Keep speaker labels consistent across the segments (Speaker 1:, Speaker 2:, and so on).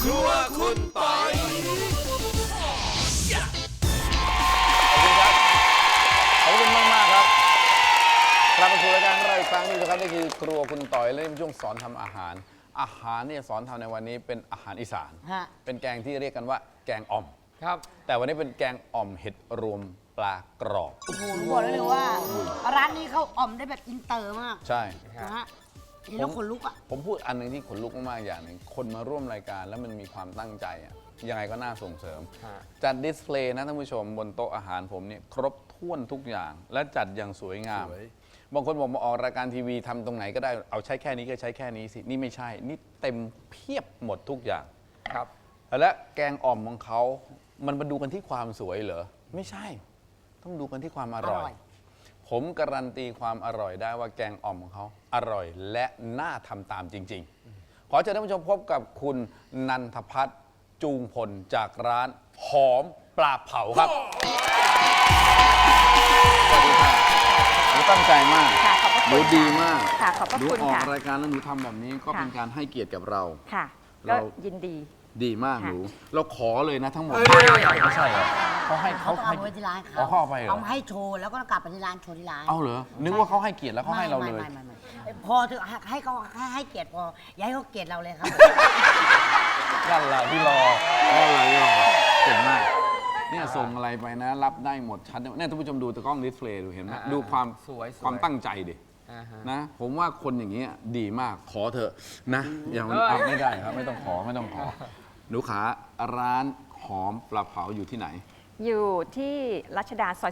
Speaker 1: ครัวคุณปอย
Speaker 2: ขอบคุณมากครับกลับมาสู่รายการของเราอีกครั้งนึงนะครับนี่คือครัวคุณต่อยและในช่วงสอนทำอาหารเนี่ยสอนทำในวันนี้เป็นอาหารอีสานเป็นแกงที่เรียกกันว่าแกงอ่อม
Speaker 3: ครับ
Speaker 2: แต่วันนี้เป็นแกงอ่อมเห็ดรวมปลากรอบ
Speaker 4: โอ้โหบอกได้เลยว่าร้านนี้เขาอ่อมได้แบบอินเตอร์มาก
Speaker 2: ใช่
Speaker 4: นะฮะเห็นแล้วขนลุกอ่ะ
Speaker 2: ผมพูดอันหนึ่งที่ขนลุกมากๆอย่างหนึ่งคนมาร่วมรายการแล้วมันมีความตั้งใจอะยังไงก็น่าส่งเสริม จัดดิสเพลย์นะท่านผู้ชมบนโต๊ะอาหารผมเนี่ยครบถ้วนทุกอย่าง และจัดอย่างสวยงามบางคนบอกมาออกรายการทีวีทำตรงไหนก็ได้เอาใช้แค่นี้ก็ใช้แค่นี้สินี่ไม่ใช่นี่เต็มเพียบหมดทุกอย่าง
Speaker 3: ครับ
Speaker 2: และแกงอ่อมของเขามันมาดูกันที่ความสวยเหรอไม่ใช่ ต้องดูกันที่ความอร่อย ผมการันตีความอร่อยได้ว่าแกงอ่อมของเขาอร่อยและน่าทำตามจริง ๆ ขอเชิญท่านผู้ชมพบกับคุณนันทพัฒน์จูงพลจากร้านหอมปลาเผาครับสวัสดีค่ะหนูตั้งใจมาก
Speaker 5: ค่ะขอบพระ
Speaker 2: ห
Speaker 5: คุ
Speaker 2: นู
Speaker 5: ณ
Speaker 2: ดีมาก
Speaker 5: ค่ะขอบพระ
Speaker 2: หนู
Speaker 5: คุณ
Speaker 2: ออก
Speaker 5: ค่ะ
Speaker 2: รายการแล้วหนูทำแบบนี้ก็
Speaker 5: ค่ะ
Speaker 2: เป็นการให้เกียรติกับเรา
Speaker 5: ค่ะ
Speaker 2: เรา
Speaker 5: ก็ยินดี
Speaker 2: ดีมาก
Speaker 5: ค่ะ
Speaker 2: หนูเราขอเลยนะทั้งหมด
Speaker 3: เอ้ย
Speaker 2: ไม่ใช่เหรอเขาให้
Speaker 4: เขา
Speaker 2: เขา
Speaker 4: ต้อง
Speaker 2: ให้
Speaker 4: เอาไว้ที่ร้าน
Speaker 2: อ๋อเขาเอาไปเหรอ
Speaker 4: เอามาให้โชว์แล้วก็กลับไปที่ร้านโชว์ที่ร้าน
Speaker 2: เอาเหรอนึกว่าเขาให้เกียรติแล้วเขาให้เราเลย
Speaker 4: ไม่พอเถอะให้เขาให้เกียรติพออย่าให้เขาเกลียดเราเลยครับ
Speaker 2: นั่นแหละที่รอเก่งมากเนี่ยส่งอะไรไปนะ รับได้หมดชัดเนี่ยท่านผู้ชมดูตะกล้องดิสเพลย์ดูเห็นไหมดูความ
Speaker 3: สวย
Speaker 2: ความตั้งใจดิ
Speaker 3: อ่าฮะ
Speaker 2: นะ ผมว่าคนอย่างเงี้ยดีมากขอเถอะนะอย่าง
Speaker 3: เอ้ย
Speaker 2: เอาไม่ได้ครับไม่ต้องขอหนูขาร้านหอมปลาเผาอยู่ที่ไหน
Speaker 5: อยู่ที่รัชดาซอย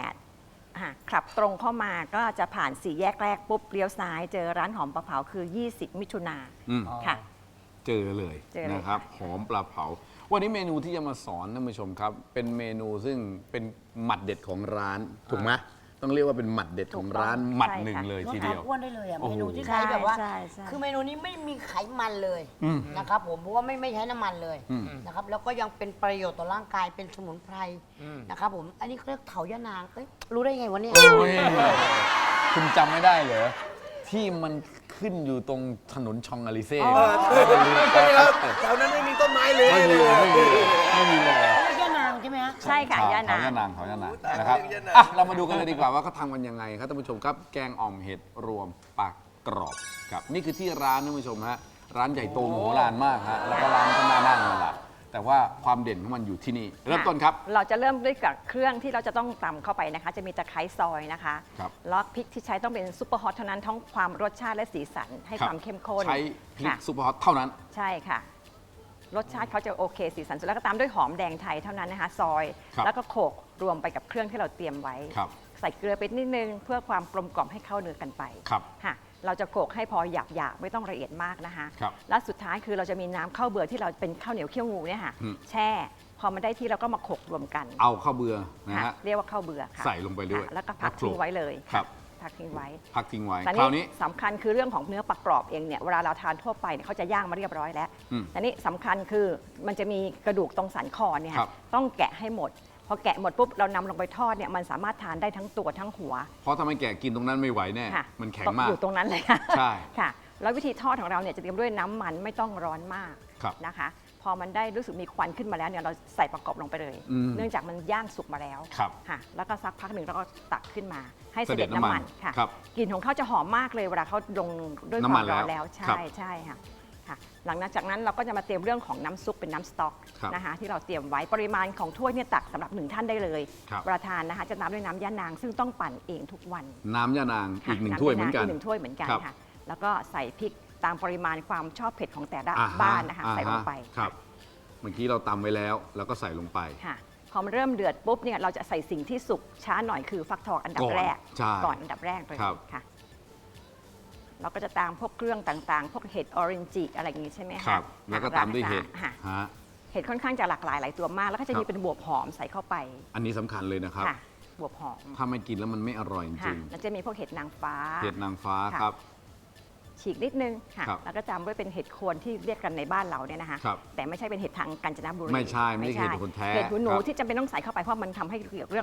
Speaker 5: 18ขับตรงเข้ามาก็จะผ่านสี่แยกแรกปุ๊บเลี้ยวซ้ายเจอร้านหอมปลาเผาคือ 20 มิถุนา
Speaker 2: อืม
Speaker 5: ค่ะ
Speaker 2: เจอเลย
Speaker 5: เจอเลย
Speaker 2: นะครับ
Speaker 5: ค่ะ
Speaker 2: หอมปลาเผา วันนี้เมนูที่จะมาสอนท่านผู้ชมครับ เป็นเมนูซึ่งเป็นหมัดเด็ดของร้านถูกไหมต้องเรียกว่าเป็นหมัดเด็ดของร้านหมัดหนึ่งเลยทีเดียว
Speaker 4: ลดความอ้วนได้เลยอ่ะ
Speaker 2: โอ้
Speaker 4: เม
Speaker 2: โห
Speaker 4: นูที่ใช้แบบว่า
Speaker 5: ใช่ใช่
Speaker 4: คือเมนูนี้ไม่มีไขมันเลยนะครับผมเพราะว่าไม่ใช้น้ำมันเลยนะครับแล้วก็ยังเป็นประโยชน์ต่อร่างกายเป็นสมุนไพรนะครับผมอันนี้เขาเรียกเถายะนางเอ้ยรู้ได้ไงวะเนี่ย
Speaker 2: โอ้ยคุณจำไม่ได้เหรอที่มันขึ้นอยู่ตรงถนนชองอาลิเซ่
Speaker 1: แถวนั้นไม่มีต้นไม้เลย
Speaker 2: ไม่มีเลยไม่มีเลย
Speaker 4: เรียกยะนางใช่ไหมฮะ
Speaker 5: ใช่ค่ะย่า
Speaker 2: เขา
Speaker 5: นา
Speaker 2: ยะนางเขายะนางนะครับอ่ะเรามาดูกันเลยดีกว่าว่าเขาทำกันยังไงครับท่านผู้ชมครับแกงอ่อมเห็ดรวมปลากรอบครับนี่คือที่ร้านท่านผู้ชมฮะร้านใหญ่โตโมโหลานมากฮะแล้วก็ร้านก็น่านั่งนั่นแหละแต่ว่าความเด่นของมันอยู่ที่นี่เริ่มต้นครับ
Speaker 5: เราจะเริ่มด้วยกับเครื่องที่เราจะต้องตำเข้าไปนะคะ จะมีตะไคร้ซอยนะคะ
Speaker 2: ครับ
Speaker 5: แล้วพริกที่ใช้ต้องเป็นซุปเปอร์ฮอตเท่านั้นทั้งความรสชาติและสีสันให้ความเข้มข้น
Speaker 2: ใช้พริก
Speaker 5: ค่ะ
Speaker 2: ซุปเปอร์ฮอตเท่านั้น
Speaker 5: ใช่ค่ะ รสชาติเขาจะโอเคสีสันสวยแล้วก็ตามด้วยหอมแดงไทยเท่านั้นนะคะ ซอย
Speaker 2: ครับ
Speaker 5: แล้วก็โขลกรวมไปกับเครื่องที่เราเตรียมไว้
Speaker 2: ครับ
Speaker 5: ใส่เกลือไปนิดนึงเพื่อความกลมกล่อมให้เข้าเนื้อกันไป
Speaker 2: ครับ
Speaker 5: ค่ะเราจะโขลกให้พอหยาบๆไม่ต้องละเอียดมากนะคะ
Speaker 2: ครับ
Speaker 5: และสุดท้ายคือเราจะมีน้ำข้าวเบื่อที่เราเป็นข้าวเหนียวเคี่ยวงูเนี่ยค่ะ
Speaker 2: อืม
Speaker 5: แช่พอมันได้ที่เราก็มาโขลกรวมกัน
Speaker 2: เอาข้าวเบื่อนะ
Speaker 5: ค่ะ
Speaker 2: ฮะ
Speaker 5: เรียกว่าข้าวเบื่อค่ะ
Speaker 2: ใส่ลงไปด้วย
Speaker 5: ค่ะแล้วก็พัก
Speaker 2: แล้วโขลก
Speaker 5: ทิ้งไว้เลย
Speaker 2: ครับ
Speaker 5: พักทิ้งไว้
Speaker 2: พักทิ้งไว้
Speaker 5: แต่
Speaker 2: คราวนี้
Speaker 5: สำคัญคือเรื่องของเนื้อปลากรอบเองเนี่ยเวลาเราทานทั่วไปเนี่ยเขาจะย่างมาเรียบร้อยแล้ว
Speaker 2: อืม
Speaker 5: แต่นี่สำคัญคือมันจะมีกระดูกตรงสันคอเนี่ย
Speaker 2: ครับ
Speaker 5: ต้องแกะให้หมด พอแกะหมดปุ๊บเรานำลงไปทอดเนี่ยมันสามารถทานได้ทั้งตัวทั้งหัว
Speaker 2: เพราะถ้าไม่แกะกินตรงนั้นไม่ไหวแน่
Speaker 5: ค่ะ
Speaker 2: มันแข็งมาก
Speaker 5: อยู่ตรงนั้นเลยค่ะ
Speaker 2: ใช่
Speaker 5: ค่ะ แล้ววิธีทอดของเราเนี่ยจะเตรียมด้วยน้ำมันไม่ต้องร้อนมาก
Speaker 2: ครับ
Speaker 5: นะคะ พอมันได้รู้สึกมีควันขึ้นมาแล้วเนี่ยเราใส่ประกอบลงไปเลย
Speaker 2: อืม
Speaker 5: เนื่องจากมันย่างสุกมาแล้ว
Speaker 2: ครับ
Speaker 5: ค่ะ แล้วก็สักพักหนึ่งเราก็ตักขึ้นมา ให้เส
Speaker 2: เสด็
Speaker 5: ด็
Speaker 2: จ
Speaker 5: จ
Speaker 2: น้ำ
Speaker 5: น้ำ
Speaker 2: มั
Speaker 5: มัน นค่ะ
Speaker 2: ครับ
Speaker 5: กลิ่นของเขาจะหอมมากเลยเวลาเขาลงด้วยค
Speaker 2: น้ำมั
Speaker 5: วาน มร้อน
Speaker 2: แล้
Speaker 5: แล้ว ว
Speaker 2: ครั
Speaker 5: ใช่
Speaker 2: บ
Speaker 5: ใช่ค่ะค่ะ หลังจากนั้นเราก็จะมาเตรียมเรื่องของน้ำซุปเป็นน้ำสต๊อก
Speaker 2: ครับ
Speaker 5: นะคะที่เราเตรียมไว้ปริมาณของถ้วยเนี่ยตักสำหรับ1ท่านได้เลย
Speaker 2: ครับ
Speaker 5: เวลาทานนะคะจะตามด้วยน้ำย่านางซึ่งต้องปั่นเองทุกวัน
Speaker 2: น้ำยานาง
Speaker 5: ค่ะ
Speaker 2: อีกหนึ่งถ้วยเหมือนกัน
Speaker 5: อีก1ถ้วยเหมือนกัน
Speaker 2: ครับ
Speaker 5: ค่ะ แล้วก็ใส่พริกตามปริมาณความชอบเผ็ดของแต่ละ
Speaker 2: อ่าฮ
Speaker 5: บ้านนะคะใส่ลงไป
Speaker 2: ครับ เมื่อกี้เราตำไว้แล้วแล้วก็ใส่ลงไป
Speaker 5: ค่ะพอมันเริ่มเดือดปุ๊บเนี่ยเราจะใส่สิ่งที่สุกช้าหน่อยคือฟักทองอันดับแรก
Speaker 2: ใช่
Speaker 5: ก่อนอันดับแรกเลย
Speaker 2: ครับ
Speaker 5: ค่ะเราก็จะตามพวกเครื่องต่างๆ พวกเห็ดออเรนจิอะไรอย่างงี้ใช่ไหมคะ
Speaker 2: ครับ แล้วก็ตามด้วยเห็ด
Speaker 5: ค่ะ
Speaker 2: ฮะ
Speaker 5: เห็ดค่อนข้างจะหลากหลายหลายตัวมาก แล้วก็จะ
Speaker 2: ครั
Speaker 5: มี
Speaker 2: บ
Speaker 5: เป็นบวบหอมใส่เข้าไป
Speaker 2: อันนี้สำคัญเลยนะครับ
Speaker 5: ค่ะบวบหอม
Speaker 2: ถ้าไม่กินแล้วมันไม่อร่อยจ
Speaker 5: ค่ะ
Speaker 2: ริง
Speaker 5: แล้วจะมีพวกเห็ดนางฟ้า
Speaker 2: ๆเห็ดนางฟ้า
Speaker 5: ค่ะ
Speaker 2: ครับ
Speaker 5: ฉีกนิดนึงค่ะ
Speaker 2: ครับ
Speaker 5: แล้วก็ตามด้วยเป็นเห็ดโคนที่เรียกกันในบ้านเราเนี่ยนะคะ
Speaker 2: ครับ
Speaker 5: แต่ไม่ใช่เป็นเห็ดทางกาญจนบุรี
Speaker 2: ไม่ใช่ไม่ใช่เห็ดโคนแท้
Speaker 5: เห็ดหูหนู
Speaker 2: ครับ
Speaker 5: ที่จำเป็นต้องใส่เข้าไปเพราะมันทำให้เกี่ยวกับเรื่อง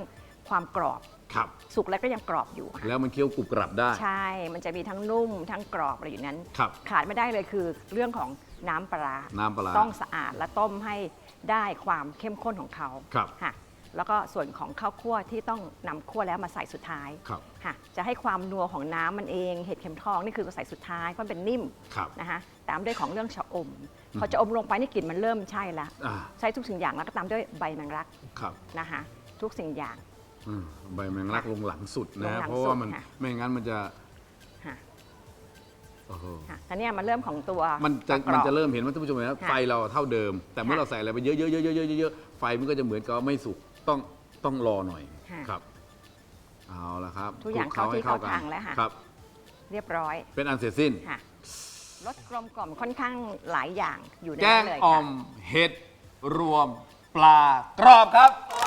Speaker 5: ความกรอบ
Speaker 2: ครับ
Speaker 5: สุกแล้วก็ยังกรอบอยู่ค่ะ
Speaker 2: แล้วมันเคี้ยวกรุบกรับได้
Speaker 5: ใช่ มันจะมีทั้งนุ่มทั้งกรอบอะไรอยู่นั้น
Speaker 2: ครับ
Speaker 5: ขาดไม่ได้เลยคือเรื่องของน้ำปลาร้า
Speaker 2: น้ำปลาร้า
Speaker 5: ต้องสะอาดและต้มให้ได้ความเข้มข้นของเขา
Speaker 2: ครับ
Speaker 5: ค่ะแล้วก็ส่วนของข้าวคั่วที่ต้องนำคั่วแล้วมาใส่สุดท้าย
Speaker 2: ครับ
Speaker 5: ค่ะจะให้ความนัวของน้ำมันเองเห็ดเข็มทองนี่คือใส่สุดท้ายเพราะมันเป็นนิ่ม
Speaker 2: ครับ
Speaker 5: นะคะตามด้วยของเรื่องชะอม พอจะอมลงไปนี่กลิ่นมันเริ่มใช่ละ
Speaker 2: อ่า
Speaker 5: ใช้ทุกสิ่งอย่างแล้วก็ตามด้วยใบแมงลัก
Speaker 2: ครับ
Speaker 5: นะคะทุกสิ่งอย่าง
Speaker 2: ใบแมงลักลงหลังสุด
Speaker 5: ล
Speaker 2: นะ
Speaker 5: งหลัง
Speaker 2: เพราะว่ามัน
Speaker 5: สุดค่ะ
Speaker 2: ไม่งั้นมันจะ
Speaker 5: ค่ะ
Speaker 2: โอ้โห
Speaker 5: ค่ะอันเนี้ยมันเริ่มของตัว
Speaker 2: มันจะ
Speaker 5: กรอบ
Speaker 2: มันจะเริ่มเห็นว่าท่านผู้ชมเห็นว่า
Speaker 5: ค่ะ
Speaker 2: ไฟเราเท่าเดิม แต่เมื่อ
Speaker 5: ค่ะ
Speaker 2: เราใส่อะไรไปเยอะๆๆๆๆๆไฟมันก็จะเหมือนกับไม่สุกต้องรอหน่อย
Speaker 5: ค่ะ
Speaker 2: ครับเอาละครับ
Speaker 5: ทุกอย่าง
Speaker 2: คลุ
Speaker 5: เข้าที่
Speaker 2: ให้
Speaker 5: เข้าทางแล้วค่ะ
Speaker 2: ครับ
Speaker 5: เรียบร้อย
Speaker 2: เป็นอันเสร็จสิ้น
Speaker 5: ค่ะรสกลมกล่อมค่อนข้างหลายอย่างอยู่ใน
Speaker 2: แก
Speaker 5: นั้
Speaker 2: ง
Speaker 5: นเลย
Speaker 2: อ่อ
Speaker 5: ค่ะ
Speaker 2: มเห็ดรวมปลากรอบครับ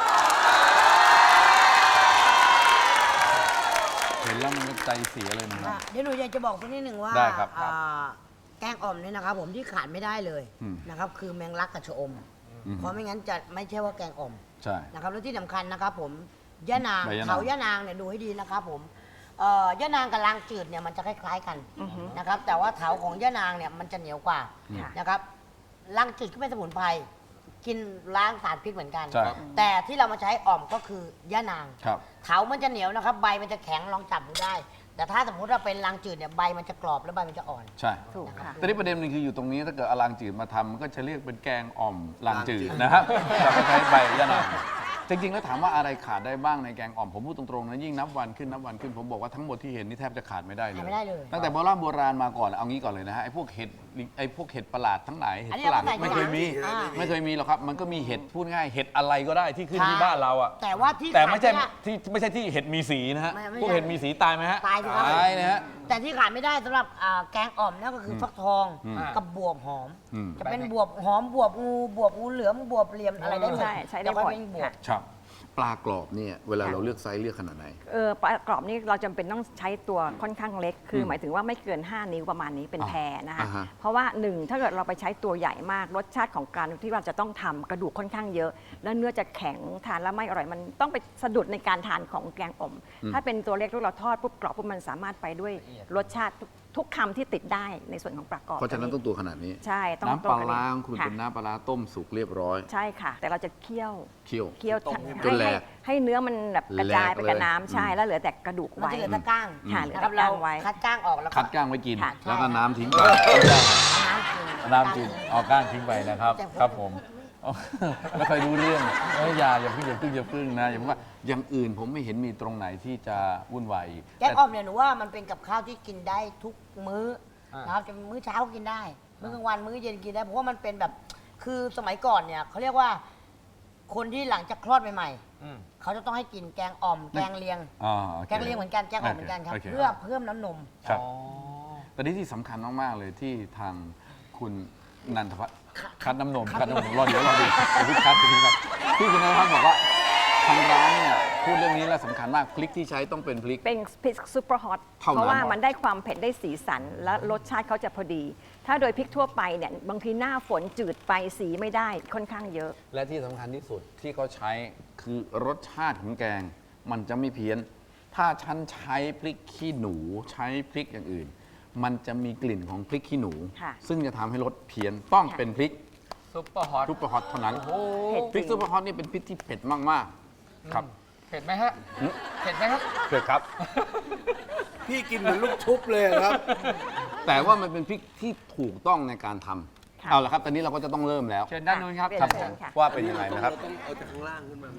Speaker 2: เห็นแล้วมันก็ใจเสียเลยนะครับ
Speaker 4: เดี๋ยวหนูอยากจะบอกสักนิดหนึ่งว่า
Speaker 2: ได้ครับ
Speaker 4: แกงอ่อมเนี่ยนะครับผมที่ขาดไม่ได้เลย
Speaker 2: อืม
Speaker 4: นะครับคือแมงลักกับชะอม เพราะไม่งั้นจะไม่ใช่ว่าแกงอ่อม
Speaker 2: ใช่
Speaker 4: นะครับแล้วที่สำคัญนะครับผมยะนาง
Speaker 2: ใบยะนาง
Speaker 4: เขายะนางเนี่ยดูให้ดีนะครับผมยะนางกับลางจืดเนี่ยมันจะคล้ายๆกันนะครับแต่ว่าเถาของยะนางเนี่ยมันจะเหนียวกว่า
Speaker 5: ค่ะ
Speaker 4: นะครับลางจืดก็เป็นสมุนไพรกินล้างสารพิษเหมือนกัน
Speaker 2: ใช่
Speaker 4: แต่ที่เรามาใช้อ่อมก็คือยะนาง
Speaker 2: ครับ
Speaker 4: เถามันจะเหนียวนะครับใบมันจะแข็งลองจับดูได้ แต่ถ้าสมมติว่าเป็นลางจืดเนี่ยใบมันจะกรอบแล้วใบมันจะอ่อน
Speaker 2: ใช่
Speaker 5: ถูกค่ะ
Speaker 2: แต่นี่ประเด็นหนึงคืออยู่ตรงนี้ถ้าเกิดเอาลางจืดมาทำมันก็จะเรียกเป็นแกงอ่อมลางจืดนะครับแต่ก็ใช้ใบยะนางจริงๆแล้วถามว่าอะไรขาดได้บ้างในแกงอ่อมผมพูดตรงๆนะยิ่งนับวันขึ้นผมบอกว่าทั้งหมดที่เห็นนี่แทบจะขาดไม่ได้เลย
Speaker 4: ขาดไม่ได้เลย
Speaker 2: ตั้งแต่โบราณมาก่อนเอางี้ก่อนเลยนะฮะไอ้พวกเห็ดประหลาดทั้งหลายเห็ด
Speaker 4: อันนี้
Speaker 2: ประหลาด
Speaker 4: เอามาใส่
Speaker 2: ไม่เคยมี
Speaker 4: อ่า
Speaker 2: ไม่เคยมีหรอกครับมันก็มีเห็ดพูดง่ายเห็ดอะไรก็ได้ที่ขึ้นที่
Speaker 4: ค่ะ
Speaker 2: บ้านเราอ่ะ
Speaker 4: แต่ว่าที่
Speaker 2: แต่ไม่ใช่
Speaker 4: ขาดด้
Speaker 2: ที่ไม่ใช่ที่เห็ดมีสีนะฮะ
Speaker 4: ไม่
Speaker 2: พวก
Speaker 4: ใช่
Speaker 2: เห็ดมีสีตายไหมฮะ
Speaker 4: ตายสิครับ
Speaker 2: ตายนะฮะ
Speaker 4: แต่ที่ขาดไม่ได้สำหรับแกงอ่อมนั่นก็คือฟักทอง
Speaker 2: อืม
Speaker 4: กับบวบหอม
Speaker 2: อืม
Speaker 4: จะเป็นบวบหอมบวบงูเหลือมบวบเหลี่ยมอะไรได้หมด
Speaker 5: ใช่ใช้ได้
Speaker 4: แล้วก็
Speaker 5: หมด
Speaker 4: เป็นบวบ
Speaker 5: ค่ะ
Speaker 2: ครับปลากรอบเนี่ยเวลาเราเลือกไซส์เลือกขนาดไหน
Speaker 5: ปลากรอบนี่เราจำเป็นต้องใช้ตัวค่อนข้างเล็ก คือ
Speaker 2: ม
Speaker 5: หมายถึงว่าไม่เกิน 5 นิ้วประมาณนี้เป็นแพรนะคะ
Speaker 2: อ่าฮะ
Speaker 5: เพราะว่าหนึ่งถ้าเกิดเราไปใช้ตัวใหญ่มากรสชาติของการที่เราจะต้องทำกระดูกค่อนข้างเยอะ แล้วเนื้อจะแข็งทานแล้วไม่อร่อยมันต้องไปสะดุดในการทานของแกงอ่อม ถ้าเป็นตัวเล็กที่เราทอดปุ๊บกรอบปุ๊บมันสามารถไปด้วยรสชาติทุกคำที่ติดได้ในส่วนของปลากรอบ
Speaker 2: เพราะฉะนั้นต้องตัวขนาดนี้
Speaker 5: ใช่ต้อง
Speaker 2: น้ำปลา
Speaker 5: ตัว
Speaker 2: ร้า
Speaker 5: นี้
Speaker 2: ของคุณ
Speaker 5: ค่ะ
Speaker 2: เป็นน้ำปลาร้าต้มสุกเรียบร้อย
Speaker 5: ใช่ค่ะ แต่เราจะเคี่ยว
Speaker 2: เคี่ยว
Speaker 5: เคี่ยว
Speaker 2: จนแหลก
Speaker 5: ให้เนื้อมันแบบกระจายไปกับ
Speaker 2: แหลกเลย
Speaker 5: น้ำใช่แล้วเหลือแต่กระดูก
Speaker 4: มัน
Speaker 5: ไว้
Speaker 4: จะเหลือแต่ก้าง
Speaker 5: ค่ะเหลือ
Speaker 4: นะครับ
Speaker 5: แต่
Speaker 4: เรา
Speaker 5: ก้างไว้
Speaker 4: คัดก้างออกแล้วก็
Speaker 2: คัดก้างไว้กิน
Speaker 4: ค่ะ
Speaker 2: แล้วก็
Speaker 4: ใช่
Speaker 2: น้ำทิ้งไป
Speaker 4: น้ำกิน
Speaker 2: น้ำจิ้มเอาก้างทิ้งไปนะครับ ครับผมไม่ค่อยรู้เรื่องอย่าเพิ่งนะอย่าเพิ่งว่าอย่างอื่นผมไม่เห็นมีตรงไหนที่จะวุ่นวายอีก
Speaker 4: แกงอ่อมเนี่ยหนูว่ามันเป็นกับข้าวที่กินได้ทุกมื้อนะครับจะมื้อเช้ากินได้ มื้อกลางวันมื้อเย็นกินได้เพราะว่ามันเป็นแบบคือสมัยก่อนเนี่ยเขาเรียกว่า คนที่หลังจากคลอดใหม่ๆเขาจะต้องให้กินแกงอ่อม แกงเลียง
Speaker 2: โอค
Speaker 4: แกงเลียงเหมือนกันแกงอ่อมเหมือนกันครับ
Speaker 2: โค
Speaker 4: เพื่อเพิ่มน้ำนม
Speaker 2: ครับตอนนี้ที่สำคัญมาก ๆ เลยที่ทางคุณนันทพัฒน์คัดน้ำนมรอเดี๋ยวพี่คัดที่คุณนันทพัฒน์บอกว่าทางร้านเนี่ยพูดเรื่องนี้แล้วสำคัญมากพริกที่ใช้ต้องเป็นพริก
Speaker 5: เป็นพริกซูเปอร์ฮอต
Speaker 2: เท่านั้น
Speaker 5: เพราะว่ามันได้ความเผ็ดได้สีสัน และรสชาติเขาจะพอดี ถ้าโดยพริกทั่วไปเนี่ยบางทีหน้าฝนจืดไปสีไม่ได้ค่อนข้างเยอะ
Speaker 2: และที่สำคัญที่สุดที่เขาใช้คือรสชาติของแกง มันจะไม่เพี้ยน ถ้าฉันใช้พริกขี้หนูใช้พริกอย่างอื่น มันจะมีกลิ่นของพริกขี้หนู
Speaker 5: ค่ะ
Speaker 2: ซึ่งจะทำให้รสเพี้ยนต้องเป็นพริก
Speaker 1: ซุปเปอร์ฮอต
Speaker 2: ซุปเปอร์ฮอตเท่านั้น
Speaker 5: เผ็ด
Speaker 2: พริกซุปเปอร์ฮอตนี่เป็นพริกที่เผ็ดมากๆครับ
Speaker 1: เผ็ดไหมฮะ เผ็ดไหมครับ
Speaker 2: เผ็ดครับ
Speaker 1: พี่กินเหมือนลูกชุบเลยครับ
Speaker 2: แต่ว่ามันเป็นพริกที่ถูกต้องในการทำ
Speaker 5: ค่ะ
Speaker 2: เอาละครับ ตอนนี้เราก็จะต้องเริ่มแล้ว
Speaker 1: เชิญด้านนู้นครับ
Speaker 5: เปลี่ย
Speaker 2: ครับ
Speaker 5: เชิญค่ะ
Speaker 2: ว่าเป็นยังไงนะครับ
Speaker 1: ต้องเอาจากข้างล่างขึ้นมาไหม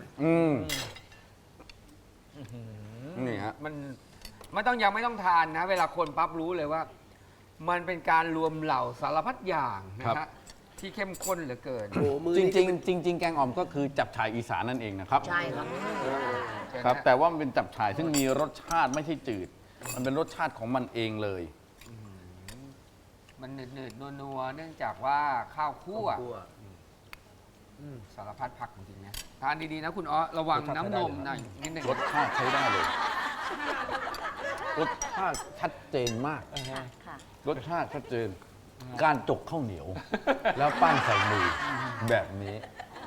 Speaker 2: นี่ฮะ
Speaker 3: มันยังไม่ต้องทานนะ เวลาคนปั๊บรู้เลยว่า มันเป็นการรวมเหล่าสารพัดอย่างนะฮะที่เข้มข้นเหลือเกิน
Speaker 1: โอ้มือ
Speaker 2: จ
Speaker 1: นี่
Speaker 2: ริงๆแกงอ่อมก็คือจับฉ่ายอีสานนั่นเองนะครับ
Speaker 4: ใช่ครับ
Speaker 2: ครับ แต่ว่ามันเป็นจับฉ่ายซึ่งมีรสชาติไม่ใช่จืด มันเป็นรสชาติของมันเองเลย
Speaker 3: มันหนืดๆนัวๆเนื่องจากว่าข้าวคั่วสารพัดผักจริงๆนะทานดีๆนะคุณอ้อระวังน้ำนมหน่อยนิดหนึ่ง
Speaker 2: รสชาติใช้ได้เลย รสชาติชัดเจนมาก
Speaker 5: ค่ะ
Speaker 2: รสชาติชัดเจน การจกข้าวเหนียว แล้วปั้นใส่มือแบบนี้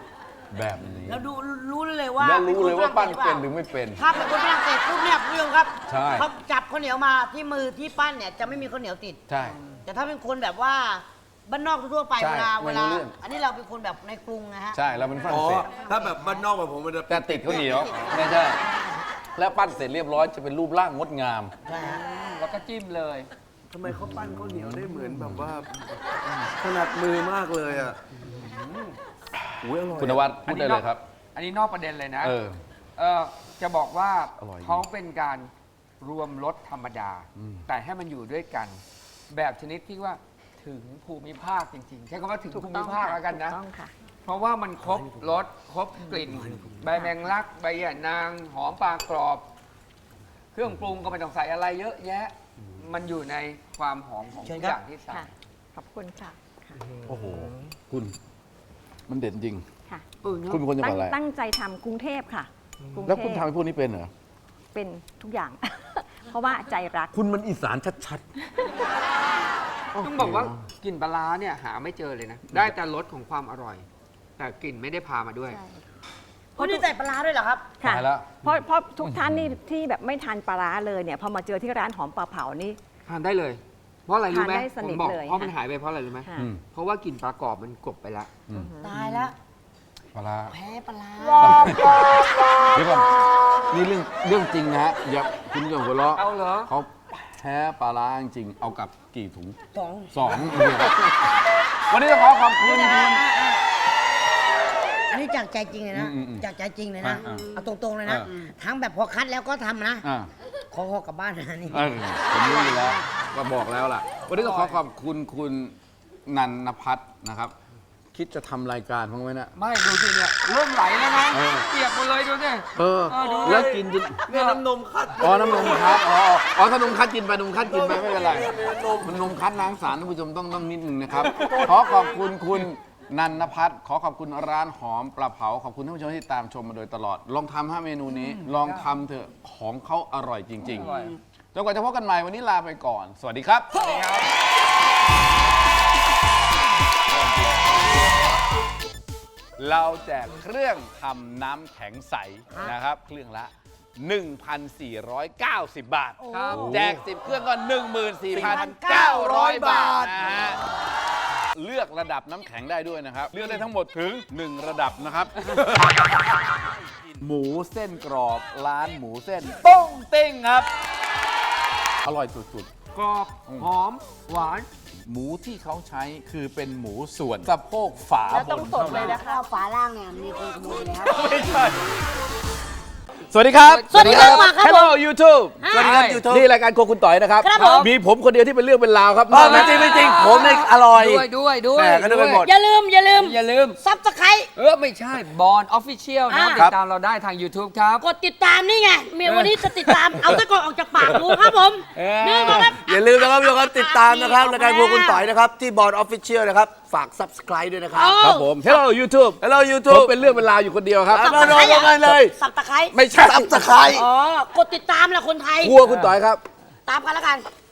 Speaker 2: แบบนี้
Speaker 4: แล้วดูรู้เลยว่า
Speaker 2: แล้วรู้เลยว่าปั้น
Speaker 4: ค
Speaker 2: เป็น
Speaker 4: ฝ
Speaker 2: หรือไม่เป็น
Speaker 4: ถ้าเป็นคนฝรั่งเศสปุ๊บเนี่ยคุณผู้ชมครับ
Speaker 2: ใช่
Speaker 4: เขาจับข้าวเหนียวมาที่มือที่ปั้นเนี่ยจะไม่มีข้าวเหนียวติด
Speaker 2: ใช่
Speaker 4: แต่ถ้าเป็นคนแบบว่าบ้านนอกทั่วๆไป
Speaker 2: ใช่
Speaker 4: เวลา
Speaker 2: ไม่รู้เรื่อง
Speaker 4: อันนี้เราเป็นคนแบบในกรุงนะฮะ
Speaker 2: ใช่เราเป็นฝรั่
Speaker 1: อ๋
Speaker 2: ง
Speaker 1: อ
Speaker 2: เศส
Speaker 1: ถ้าแบบบ้านนอกแบบผมมันจะ
Speaker 2: แต่ติดข้าวเหนียวไม่ใช่แล้วปั้นเสร็จเรียบร้อยจะเป็นรูปร่างงดงาม
Speaker 4: ใช่ฮะ
Speaker 3: แล้วก็จิ้มเลย
Speaker 1: ทำไมเขาปั้นข้าวเหนียวได้เหมือนแบบว่าถนัดมือมากเลยอ่ะอุ้ยอร่อย
Speaker 2: คุณนวัดพูดได้เลยครับ
Speaker 3: อันนี้นอกประเด็นเลยนะ
Speaker 2: เออ
Speaker 3: จะบอกว่า
Speaker 2: อร่อยจริง
Speaker 3: เขาเป็นการรวมรสธรรมดา แต่ให้มันอยู่ด้วยกัน แบบชนิดที่ว่าถึงภูมิภาคจริงๆ ใช้คำว่าถึง
Speaker 5: ถูก
Speaker 3: ภู
Speaker 5: ต้
Speaker 3: มิ
Speaker 5: อง
Speaker 3: ภาค
Speaker 5: ค่ะ
Speaker 3: แล้วกันนะ
Speaker 5: ถูกต้องค่ะ
Speaker 3: เพราะว่ามันครบรสครบกลิ่น ใบแมงลัก ใบหย่านาง หอมปลากรอบ เครื่องปรุงก็ไม่ต้องใส่อะไรเยอะแยะ มันอยู่ในความหอมของทุกอย่างที่ใส่
Speaker 5: ค่ะ ขอบคุณค่ะค่ะ
Speaker 2: โอ้โห คุณ มันเด่นจริง
Speaker 5: ค่ะ
Speaker 2: คุณเป็นคนจังหวัดอะไร
Speaker 5: ตั้งใจทำกรุงเทพค่ะกรุงเทพ
Speaker 2: แล้วคุณทำให้พวกนี้เป็นเหรอ
Speaker 5: เป็นทุกอย่าง เพราะว่าใจรัก
Speaker 2: คุณมันอีสานชัด
Speaker 3: ต้องบอกว่ากลิ่นปลาร้าเนี่ยหาไม่เจอเลยนะ ได้แต่รสของความอร่อย แต่กลิ่นไม่ได้พามาด้วย
Speaker 4: คุณนี่ใส่ปลาร้าด้วยเหรอครับ
Speaker 5: ค่ะ
Speaker 2: ตายแล้ว
Speaker 5: เพราะทุกท่านนี่ที่แบบไม่ทานปลาร้าเลยเนี่ยพอมาเจอที่ร้านหอมปลาเผานี่
Speaker 3: ทานได้เลย เพราะอะไรรู้ไหม
Speaker 5: ทานได้ส
Speaker 3: ผ
Speaker 5: นิ
Speaker 3: ม
Speaker 5: ท
Speaker 3: บอก
Speaker 5: เลย
Speaker 3: เพราะมัน
Speaker 5: ค่ะ
Speaker 3: หายไปเพราะอะไรรู้ไหม
Speaker 5: ค่ะ
Speaker 2: อืม
Speaker 3: เพราะว่ากลิ่นปลากรอบมันกลบไปแล้ว
Speaker 4: ตายแล้ว
Speaker 2: ปลาร้า
Speaker 4: แพ้ปลาร้า
Speaker 2: เดี๋ยวก่อนนี่เรื่องจริงนะฮะอย่าคุณอย่าหัวเราะ
Speaker 3: เอาเหรอ
Speaker 2: เขาแพ้ปลาร้าจริงๆเอากลับกี่ถุง
Speaker 4: สอง
Speaker 2: สองวันนี้ต้องขอขอบคุณคุณ
Speaker 4: อันนี้จากใจจริงเลยนะ
Speaker 2: อืม
Speaker 4: จากใจจริงเลยนะ
Speaker 2: อ่า
Speaker 4: เอาตรงๆเลยนะ
Speaker 2: อ่า
Speaker 4: ทั้งแบบพอคัดแล้วก็ทำนะ
Speaker 2: อ่า
Speaker 4: ขอหอกลับบ้านนะนี่
Speaker 2: ผมรู้อยู่แล้วก็บอกแล้วล่ะ วันนี้ต้องขอขอบคุณคุณนันนพัฒน์นะครับ คิดจะทำรายการบ้างไหมนะ
Speaker 3: ไม่ดูสิเนี่ยเริ่มไหลแล้วนะ
Speaker 2: เออ
Speaker 3: เปียกหมดเลยดูสิ
Speaker 2: เออ
Speaker 3: ดู
Speaker 2: แล้วกินจน
Speaker 1: เนี่ยน้ำนมคัด
Speaker 2: อ๋อ น้ำนมคัดอ๋อถ้านมคัดกินไปนมคัดกินไปไม่เป็นไร มันนมคัดล้างสารท่านผู้ชมต้องนิดนึงนะครับ ขอขอบคุณคุณนันนพัฒน์ขอขอบคุณร้านหอมปลาเผา ขอบคุณท่านผู้ชมที่ตามชมมาโดยตลอด ลองทำเมนูนี้ ลองทำเถอะ ของเขาอร่อยจริง
Speaker 3: อร่อย
Speaker 2: ๆ จนกว่าจะพบกันใหม่วันนี้ลาไปก่อน สวัสดีครับ เราแจกเครื่องทำน้ำแข็งใสนะครับ เครื่องละ 1,490 บาท
Speaker 3: ครับ
Speaker 2: แจก 10 เครื่องก็ 14,900 บาทนะฮะ เลือกระดับน้ำแข็งได้ด้วยนะครับ เลือกได้ทั้งหมดถึง 1 ระดับนะครับ หมูเส้นกรอบร้านหมูเส้นโป้งเต้งครับ อร่อยสุด
Speaker 3: กรอบหอมหวาน
Speaker 2: ๆ หมูที่เขาใช้คือเป็นหมูส่วนสะโพกฝา
Speaker 5: แล้ว
Speaker 2: บ
Speaker 5: ต้อง
Speaker 2: น
Speaker 5: สด
Speaker 2: เท่า
Speaker 5: เลย
Speaker 2: นั้น
Speaker 5: นะ
Speaker 4: ข้าวฝาล่างเนี่ยมีคนขโมยแล้ว
Speaker 2: ไม่ใช่สวัสดีครับ
Speaker 4: สวัสดีครับครับผม
Speaker 2: Hello YouTube
Speaker 1: สวัสดีครับ YouTube
Speaker 2: นี่รายการโครัวคุณต่อยนะครับ
Speaker 4: ครับผม
Speaker 2: มีผมคนเดียวที่เป็นเรื่องเป็นราวครับ
Speaker 1: ไม่จริงไม่จริงผมเนี่ยอร่อย
Speaker 3: ด้วย
Speaker 1: แหม่ก็นึกไปหมด
Speaker 4: อย่าลืม
Speaker 3: อย่าลืม
Speaker 4: ซับสไคร
Speaker 3: ไม่ใช่บอลออฟฟิเชียลนะ
Speaker 4: อ่า
Speaker 3: ติดตามเราได้ทาง YouTube ครับ
Speaker 4: กดติดตามนี่ไงเมียวันนี้จะติดตาม เอาตะกอนออกจากปากงูครับผม
Speaker 3: เออ
Speaker 4: นี่นะครับ
Speaker 1: อย่าลืมนะครับทุกคนติดตามนะครับรายการพวกคุณต่อยนะครับที่บอร์ดออฟฟิเชียลนะครับฝาก subscribe ด้วยนะครับ
Speaker 2: ครับผม Hello YouTube
Speaker 1: Hello
Speaker 2: ผม
Speaker 1: YouTube
Speaker 2: เป็นเรื่องเป็นราวอยู่คนเดียวครับ
Speaker 1: เอาลงมาเลย
Speaker 4: สับตะไคร้
Speaker 2: ไม่ใช่
Speaker 1: subscribe
Speaker 4: อ๋อ กดติดตามแหละคนไทย
Speaker 2: ครัวคุณต่อยครับ
Speaker 4: ตามกันแล้วกัน